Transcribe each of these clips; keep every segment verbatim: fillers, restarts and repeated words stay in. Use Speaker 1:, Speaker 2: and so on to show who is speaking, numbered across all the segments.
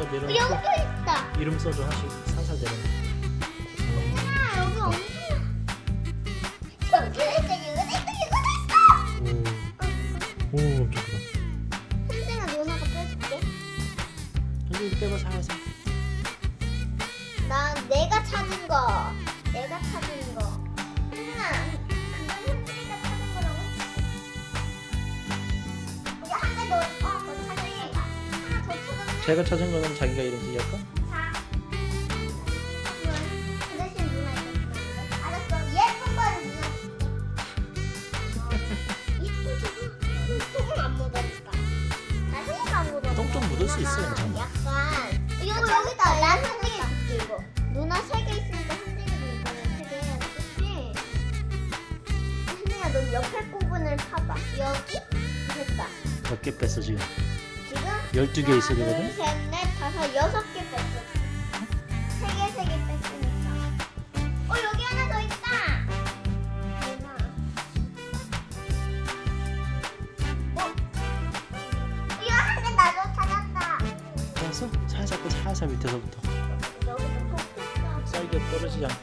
Speaker 1: 내려놓고
Speaker 2: 여기도 있다.
Speaker 1: 이름 써줘. 하나씩 살살 내려놓고.
Speaker 2: 아, 여기 엄청. 여기 있다. 여기도 있다.
Speaker 1: 오, 오 엄청 크다.
Speaker 2: 현생아 누나가 빼줄게.
Speaker 1: 현진이 빼봐 살살.
Speaker 2: 난 내가 찾은 거. 내가 찾은 거. 현생아, 그건 현진이가 찾은 거라고. 이제 한 개 더. 어, 더 찾으니까. 하나 더 찾았네.
Speaker 1: 제가 찾은 거는 자기가 이름 쓰기 할까?
Speaker 2: 자. 그 대신 누나 이거 주면 안 돼? 알았어. 예쁜 거는 누나 줄게. 예쁘잖아. 똥은 안 묻으니까. 나 똥은 안 묻어.
Speaker 1: 똥 좀 묻을 수 있어, 괜찮아.
Speaker 2: 약간. 이거 여기다. 나 현진이 줄게 이거. 누나 세 개 있으니까 현진이도 이거는 세 개 해야 돼. 그치? 현진아 넌 옆에 부분을 파봐. 여기? 됐다.
Speaker 1: 몇 개 뺐어 지금?
Speaker 2: 지금
Speaker 1: 열두 개 있어야
Speaker 2: 하나,
Speaker 1: 되거든?
Speaker 2: 둘, 셋, 넷, 다섯, 여섯 개 뺐어. 세 개, 세 개 뺐으니까. 어, 여기 하나 더 있다. 누나. 어? 이거 한 개 나도 찾았다.
Speaker 1: 알았어? 살살 빼 살살 밑에서부터.
Speaker 2: 여기도 톡 뺐어.
Speaker 1: 사이드에 떨어지지 않게.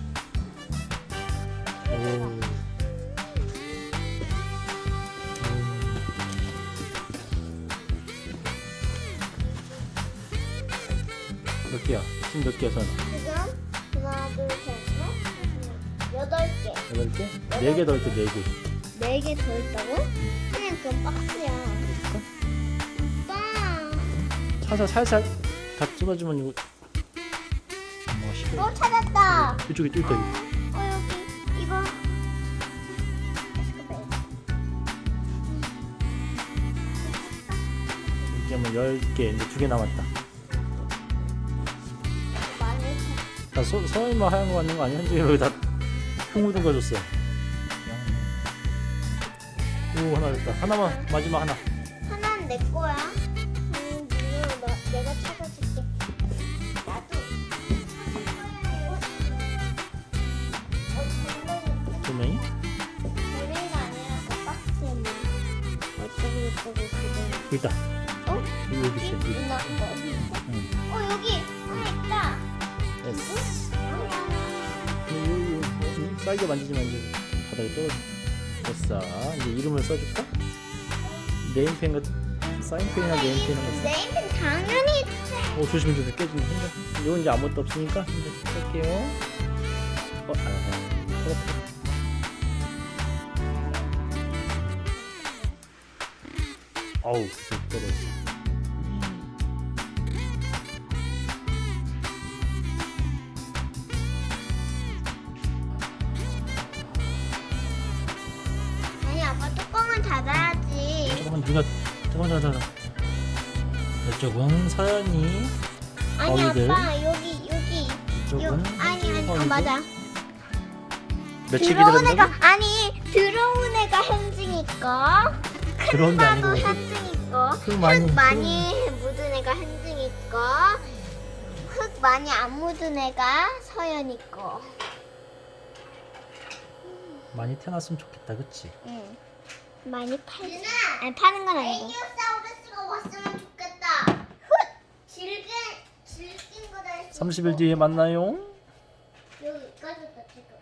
Speaker 1: 오. 몇 개야? 지금 몇 개야, 선?
Speaker 2: 지금 하나, 둘, 셋, 넷, 여덟 개.
Speaker 1: 여덟 개? 네 개 더 있대, 네 개.
Speaker 2: 네 개 더 있다고? 그냥 그건 박스야.
Speaker 1: 그럴까?
Speaker 2: 빵.
Speaker 1: 살살, 살살 다 찝어주면 이거. 뭐, 시끄러.
Speaker 2: 어, 찾았다.
Speaker 1: 이쪽에 또 있다, 이거.
Speaker 2: 어, 여기 이거.
Speaker 1: 이제 뭐 열 개, 이제 두 개 남았다.
Speaker 2: 많이
Speaker 1: 다 소, 서울만 하얀 거 같는 거 아니야? 현진이 여기 다 흙 묻은 거 줬어. 오, 하나 됐다. 하나만, 마지막 하나.
Speaker 2: 하나는 내 거야. 음, 이거 나, 내가 찾아줄게. 나도. 어,
Speaker 1: 조명이?
Speaker 2: 노래가 아니라 그 박스에 있는. 어쩌고 저쩌고 그거.
Speaker 1: 여기 있다.
Speaker 2: 어?
Speaker 1: 여기, 여기 있어, 여기.
Speaker 2: 누나 거 어디 있어?
Speaker 1: 응.
Speaker 2: 어, 여기 하나 있다.
Speaker 1: 됐어.
Speaker 2: 어?
Speaker 1: 요, 요, 요, 쌀게 만지지만 이제 바닥에 떨어져. 됐어. 이제 이름을 써줄까? 네임펜 같은, 사인펜이나 네임펜 같은.
Speaker 2: 네임펜 당연히
Speaker 1: 오, 조심히 조심 깨지면 혼자. 이건 이제 아무것도 없으니까 이제 쓸게요. 어, 아, 그렇다. 어우, 쑥 떨어졌어.
Speaker 2: 아니 아빠 뚜껑은 닫아야지.
Speaker 1: 잠깐만 누가 잠깐만 잠깐만. 이쪽은 서연이,
Speaker 2: 아니
Speaker 1: 어이들.
Speaker 2: 아빠 여기 여기 요
Speaker 1: 이쪽은
Speaker 2: 아니 아니 어,
Speaker 1: 어이들.
Speaker 2: 맞아.
Speaker 1: 며칠
Speaker 2: 들어온
Speaker 1: 기다린다고?
Speaker 2: 애가 아니 들어온 애가 현징이 거.
Speaker 1: 들어온 게
Speaker 2: 큰바도
Speaker 1: 아니고
Speaker 2: 현징이 거.
Speaker 1: 흙 많이-
Speaker 2: 흙 많이 묻은 애가 현징이 거. 흙 많이 안 묻은 애가 서연이 거.
Speaker 1: 많이 태어났으면 좋겠다, 그치?
Speaker 2: 응. 많이 팔지. 아니 파는 건 아니고. 에이오사우루스가 왔으면 좋겠다. 질긴 질긴 거다.
Speaker 1: 삼십 일 뒤에 만나요.
Speaker 2: 여기 까졌다 지금.